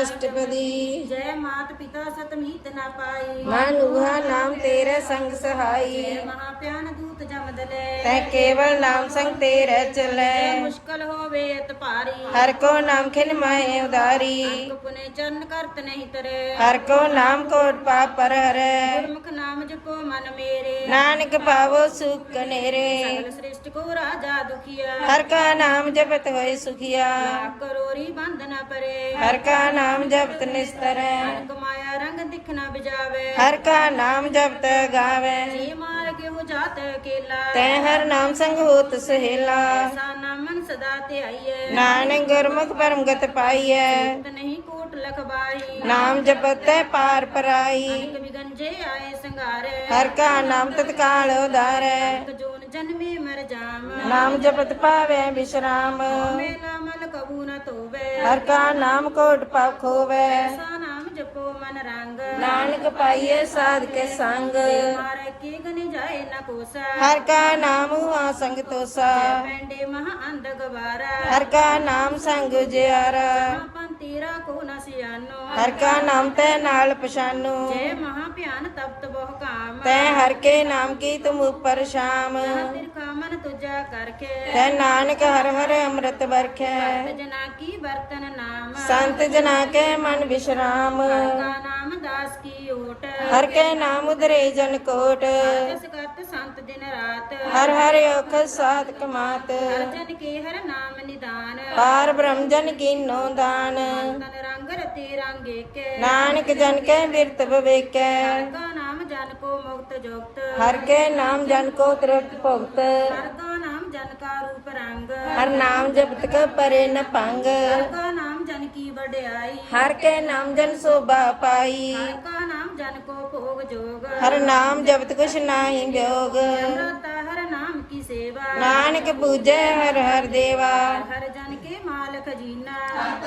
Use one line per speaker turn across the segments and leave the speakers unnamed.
अष्टपदी।
जय मात पिता सतमीत न पाई,
मानुहा नाम तेरा संग सहाई।
जय महाप्यान दूत जमदले,
तै केवल नाम संग तेरा चले।
जय मुश्किल होवे अत भारी,
हर को नाम खिन माहे उदारी।
अंक पुने चरण करत नहीं तरे,
हर को नाम कोट पाप पर हरे।
गुरमुख नाम जपो मन मेरे,
नानक पावो सुख कनेरे।
सकल श्रेष्ठ को राजा दुखिया,
हर का नाम जपत होए सुखिया।
लाख करोरी बंधना परे,
हर का नाम जपत निस्तरै।
अनक माया रंग दिखना बिजावे,
हर का नाम जपत गावे।
जी मार के हो जात अकेला,
तै हर नाम संग होत सहेला।
ऐसा नाम मन सदा ते आइए,
नानक गुरमुख परम गत पाइयै।
त नहीं कोट लखबाई,
नाम जपत तै पार पराई।
अनेक विगंजे आए संगारे,
हर का नाम तत्काल उधारै।
जोन जन्मे मर जाम,
नाम जपत पावे विश्राम।
मेला मल कबू न तोवे,
हर का नाम कोट पाप खोवे।
ऐसा नाम जपो मन रंग,
नानक पाइये साध के संग।
मारे के गने जाए न कोसा,
हर का नाम हुआ संग तोसा।
पेंडे महा अंध गवारा,
हर का नाम संग उजियारा।
तेरा को न सियानो,
हर का नाम तै नाल पछानो।
जय महाप्यान तप्त बहु काम,
तै हर के नाम की तुम ऊपर शाम।
तिरखा मन तुझा करके,
तै नानक हर हर अमृत बरखै।
जना की बर्तन नाम,
संत जना के मन विश्राम।
का नाम दास की ओट,
हर के नाम उधरे जन कोट।
जस करत संत दिन रात,
हर हर औख साध कमात।
हर जन के हर नाम निदान,
पार ब्रह्म जन कीनो दान।
तन रंग रते रंगे के,
नानक जन के बिरत विवेकै।
हर का नाम जन को मुक्त जुक्त,
हर के नाम जन को तृप्त भुगत।
हर का नाम जन का रूप रंग,
हर नाम जपत क परे न पंग।
हर का नाम जन की बड़ाई,
हर के नाम जन शोभा पाई।
हर का नाम जन को भोग जोग,
हर नाम जपत कुछ नाही व्योग।
अमृता हर नाम की सेवा,
नानक पूजै हर हर देवा।
हर जन के माल खजीना,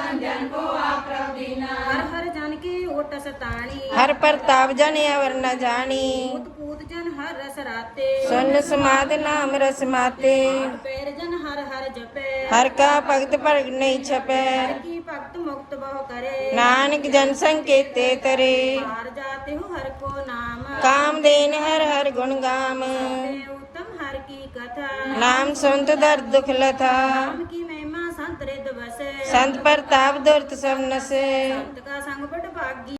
हर हर जन के ओट सताणी,
हर प्रताप जन अवर न जानी।
पूत पूत जन हर रस राते,
सुन समाध नाम रस माते।
पैर जन हर हर जपे,
हर का भगत परग नहीं छपै।
हर की भक्त मुक्त बहु करे,
नानक जन संकेते तरे।
हार जाते हो हर को नाम,
काम देन हर हर गुण गाम।
उत्तम हर की कथा,
नाम सुनत दर्द दुख लथा।
नाम की महिमा संत रिद बसे,
संत प्रताप दुर्त सब नसे।
संत का संग बड़ भागी।